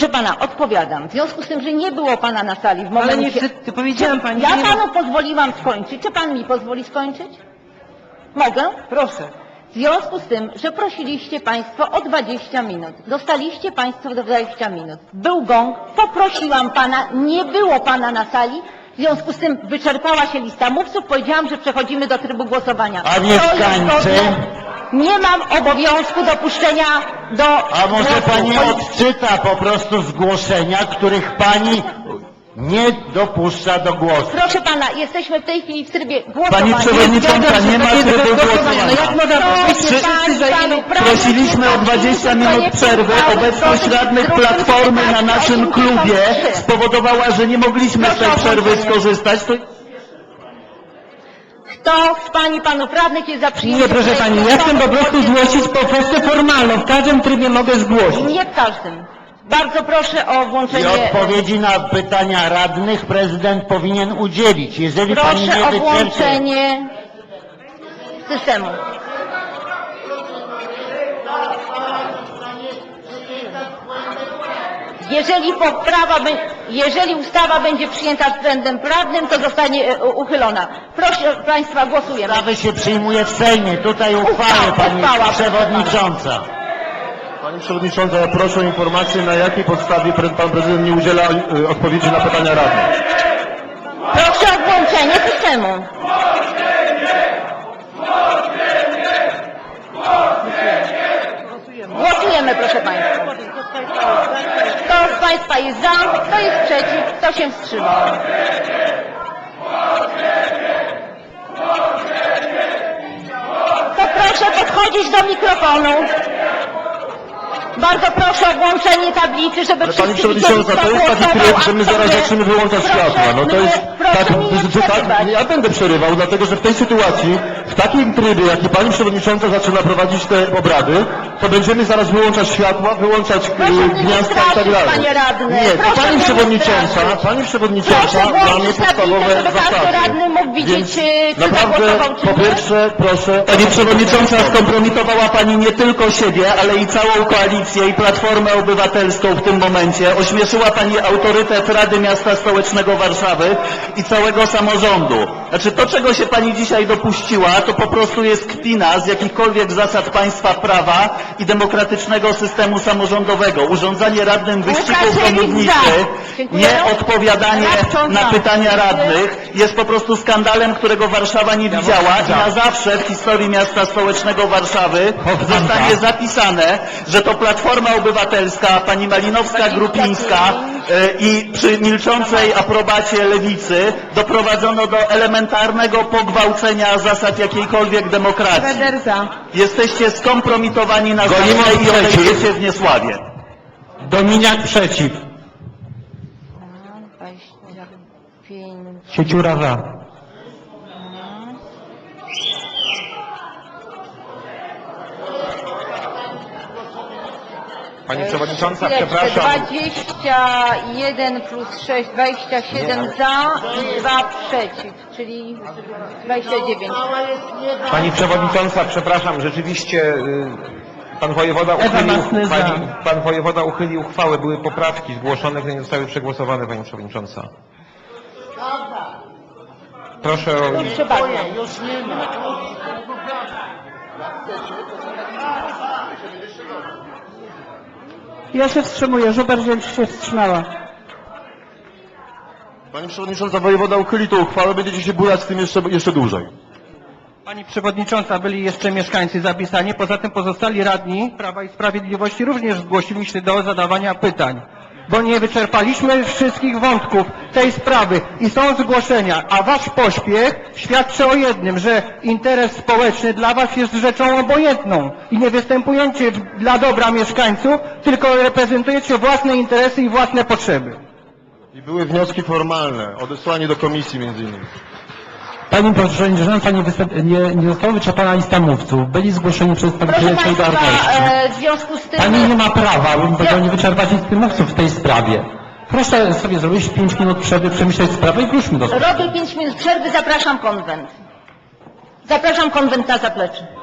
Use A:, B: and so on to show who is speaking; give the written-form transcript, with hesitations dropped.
A: Proszę pana, odpowiadam. W związku z tym, że nie było pana na sali w momencie...
B: Ale niestety, powiedziałam pani...
A: Ja panu pozwoliłam skończyć. Czy pan mi pozwoli skończyć? Mogę?
B: Proszę.
A: W związku z tym, że prosiliście państwo o 20 minut. Dostaliście państwo 20 minut. Był gong, poprosiłam pana, nie było pana na sali. W związku z tym wyczerpała się lista mówców. Powiedziałam, że przechodzimy do trybu głosowania.
C: A mieszkańcy?
A: Nie mam obowiązku dopuszczenia do...
C: A może pani odczyta po prostu zgłoszenia, których pani nie dopuszcza do głosu?
A: Proszę pana, jesteśmy w tej chwili w trybie głosowania.
D: Pani przewodnicząca, nie ma trybu głosowania.
B: No jak można
D: Prosiliśmy o 20 minut przerwy. Obecność radnych Platformy na naszym klubie spowodowała, że nie mogliśmy z tej przerwy skorzystać.
A: Kto z pań i panów radnych jest za przyjęciem?
B: Nie, proszę pani, ja chcę po prostu zgłosić po kwestię formalną. W każdym trybie mogę zgłosić.
A: Nie w każdym. Bardzo proszę o
C: I
A: włączenie...
C: odpowiedzi na pytania radnych prezydent powinien udzielić. Jeżeli pani nie
A: Proszę o
C: wyczerpie...
A: włączenie systemu. Jeżeli ustawa będzie przyjęta względem prawnym, to zostanie uchylona. Proszę państwa, głosujemy.
C: Ustawy się przyjmuje w Sejmie. Tutaj uchwałę pani przewodnicząca.
E: Pani przewodnicząca, ja proszę o informację, na jakiej podstawie pan prezydent nie udziela odpowiedzi na pytania radnych.
A: Proszę o włączenie systemu. Głosujemy, proszę państwa. Kto z państwa jest za, kto jest przeciw, kto się wstrzymał? To proszę podchodzić do mikrofonu. Bardzo proszę o włączenie tablicy, żeby
E: Ale
A: wszyscy
E: pani przewodnicząca, to jest taki tryb, że my zaraz zaczniemy wyłączać światła. No to jest tak, ja będę przerywał, dlatego że w tej sytuacji, w takim trybie, jaki pani przewodnicząca zaczyna prowadzić te obrady, to będziemy zaraz wyłączać światła, wyłączać gniazdka i tak dalej.
A: panie radny.
E: Nie, to
A: Proszę
E: pani
A: mnie
E: przewodnicząca
A: Proszę
E: dla mnie
A: włączyć
E: podstawowe
A: tablicę, żeby każdy
E: zasady.
A: radny mógł widzieć, czy
E: Naprawdę,
A: zagłosował, czy
E: po
A: nie.
E: pierwsze, proszę...
D: Pani przewodnicząca, skompromitowała pani nie tylko siebie, ale i całą koalicję i Platformę Obywatelską w tym momencie. Ośmieszyła pani autorytet Rady Miasta Stołecznego Warszawy i całego samorządu. Znaczy to, czego się pani dzisiaj dopuściła, to po prostu jest kpina z jakichkolwiek zasad państwa prawa i demokratycznego systemu samorządowego. Urządzanie radnym wyścigów do mównicy, nieodpowiadanie na pytania radnych jest po prostu skandalem, którego Warszawa nie widziała i na zawsze w historii Miasta Stołecznego Warszawy zostanie zapisane, że to Platforma Obywatelska, pani Malinowska-Grupińska i przy milczącej aprobacie Lewicy doprowadzono do elementarnego pogwałcenia zasad jakiejkolwiek demokracji. Jesteście skompromitowani na zawsze i odejdziecie w niesławie. Dominiak przeciw.
A: 25.
D: Sieciura za.
E: Pani przewodnicząca,
A: Chwileczkę,
E: przepraszam.
A: 21 plus 6, 27 za i 2 przeciw, czyli 29.
E: Pani przewodnicząca, przepraszam, rzeczywiście pan wojewoda uchylił uchwałę, były poprawki zgłoszone, które nie zostały przegłosowane, pani przewodnicząca. Proszę o...
A: Proszę bardzo.
B: Ja się wstrzymuję, Żuber się wstrzymała.
E: Pani przewodnicząca, wojewoda uchyli tą uchwałę, będziecie się bujać z tym jeszcze dłużej.
F: Pani przewodnicząca, byli jeszcze mieszkańcy zapisani, poza tym pozostali radni Prawa i Sprawiedliwości również zgłosili się do zadawania pytań, bo nie wyczerpaliśmy wszystkich wątków tej sprawy i są zgłoszenia, a wasz pośpiech świadczy o jednym, że interes społeczny dla was jest rzeczą obojętną i nie występujecie dla dobra mieszkańców, tylko reprezentujecie własne interesy i własne potrzeby.
E: I były wnioski formalne, odesłanie do komisji między innymi.
D: Pani przewodnicząca, nie została wyczerpana lista mówców. Byli zgłoszeni przedstawiciele
A: Proszę
D: Solidarności.
A: państwa, w związku z tym...
D: Pani nie ma prawa, nie wyczerpać listy mówców w tej sprawie. Proszę sobie zrobić 5 minut przerwy, przemyśleć sprawę i wróćmy do sprawy.
A: Robię 5 minut przerwy, zapraszam konwent. Zapraszam konwent na zaplecze.